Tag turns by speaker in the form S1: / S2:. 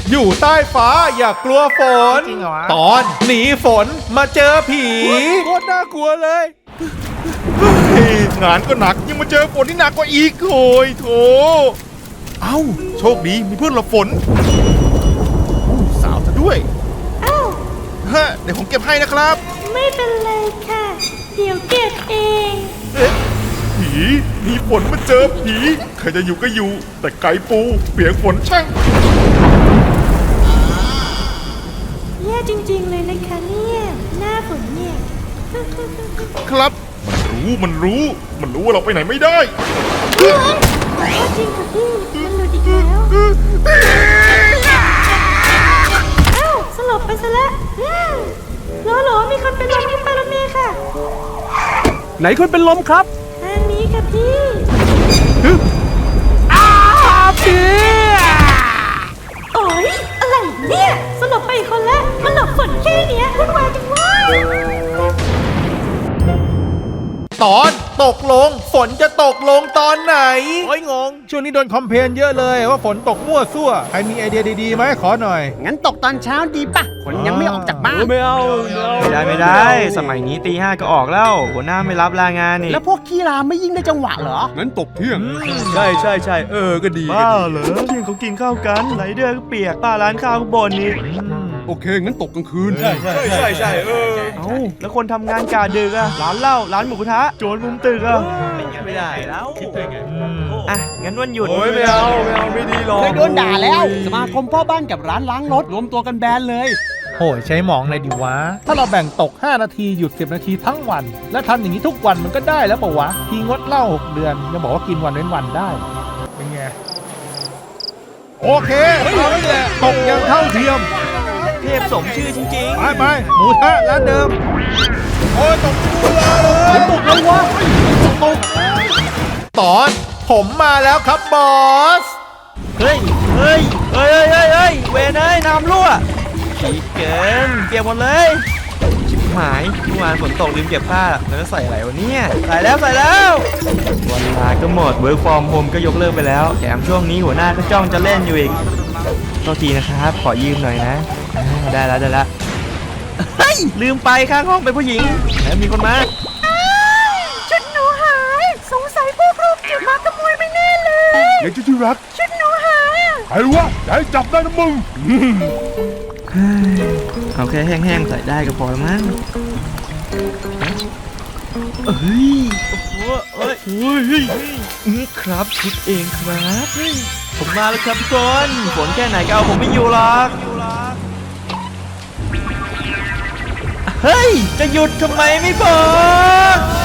S1: อยู่ใต้ฟ้าอย่ากลัวฝน
S2: จริงเหรอวะ
S1: ตอนหนีฝนมาเจอผี
S2: โคตรน่ากลัวเลย
S3: งานก็หนักยังมาเจอฝนที่หนักกว่าอีกโอยโถเอ้าโชคดีมีเพื่อนหลบฝนสาวซะด้วย
S4: อ้าว
S3: ฮะเดี๋ยวผมเก็บให้นะครับ
S4: ไม่เป็นไรค่ะ เดี๋ยวเก็บเอง
S3: เอ๊ะผีมีฝนมาเจอผีใครจะอยู่ก็อยู่ แต่ไก่ปูเปียกฝนช่าง
S4: แย่จริงๆเลยนะคะเนี่ย หน้าฝนเนี่ย
S3: ครับมันรู้ว่าเราไปไหนไม่ได้
S4: จริงค่ะพี่ มันหลุดอีกแล้ว เอ้าสลบไปซะแล้วโหลมีคนเป็นลมที่ปารถเมล์ค่ะ
S2: ไหนคนเป็นลมครับ
S4: ทางนี้ค่ะพี่
S2: พี่
S4: โอ๊ยอะไรเนี่ยสลบไปอีกคนแล้วมันหลบฝนแค่เนี้ยวุ่นวายจังวะ
S1: ตอนตกลงฝนจะตกลงตอนไหน
S2: โอ้ยงง
S1: ช่วงนี้โดนคอมเพลนเยอะเลยว่าฝนตกมั่วซั่วใครมีไอเดียดีๆไหมขอหน่อย
S5: งั้นตกตอนเช้าดีป่ะคนยังไม่ออกจากบ้าน
S2: ไม่เอา
S6: ไม่ได้ สมัยนี้ตี 5ก็ออกแล้ว หัวหน้าไม่รับลางานนี่
S5: แล้วพวกขี้ราไม่ยิ่งได้จังหวะเหรอ
S3: งั้นตกเที่ยง
S2: ใช่ก็ดี
S6: บ้าเหรอเที่ยงเขากินข้าวกันไรเดอร์ก็เปียกป้าร้านข้าวก็บ่นนี่
S3: โอเคงั้นตกกลางคืน
S2: ใช่
S6: เอ้าแล้วคนทำงานกะดึกอะร้านเหล้าร้านหมูกระทะโจรมุมตึกอะ
S2: ไม่ได้แล้วคิดได้ไง
S6: อ่ะงั้นวันหยุด
S2: โอ้ยไม่เอาไม่ดีหรอก
S5: เคยโดนด่าแล้ว สมาคมพ่อบ้านกับร้านล้างรถรวมตัวกันแบนเลย
S1: โหยใช้หมองเลยดิวะ ถ้าเราแบ่งตก 5 นาทีหยุด 10 นาทีทั้งวัน และทำอย่างนี้ทุกวันมันก็ได้แล้วเปล่าวะ ทีงดเหล้า6 เดือนจะบอกว่ากินวันเว้นวันได้ เป็นไง โอเคเอาไว้แหละตกอย่างเท่าเทียม
S6: เทพสมชื่อจริง
S1: ไปหมูทะร้านเดิม โอ้ยตกกูเลยตกเลยวะตกตอนผมมาแล้วครับบอส
S6: ๆเฮ้ยเวรเอ้ยน้ำรั่วฉีกเกินเปียกหมดเลยชิบหายเมื่อวานฝนตกลืมเก็บผ้าแล้วใส่อะไรวะเนี่ยใส่แล้ววันลาก็หมด work from home ก็ยกเลิกไปแล้วแถมช่วงนี้หัวหน้าก็จ้องจะเล่นอยู่อีกโทษทีนะครับขอยืมหน่อยนะได้แล้วเฮ้ยลืมไปข้างห้องเป็นผู้หญิงแล้วมีคนมา
S4: ชุดหนูหาย สงสัยพวกลูกเก็บมาขโมยไปแน่เลย
S3: เดี๋ยวที่รัก
S4: ชุดหนูหายอ่ะ
S3: ใครวะอย่าให้จับได้นะมึง
S6: เอาแค่แห้งๆใส่ได้ก็พอแล้วมั้งเฮ้ยโอ้โหครับชุดเองครับผมมาแล้วครับทุกคนฝนแค่ไหนก็เอาผมไม่อยู่หรอกเฮ้ยจะหยุดทำไมไม่บอก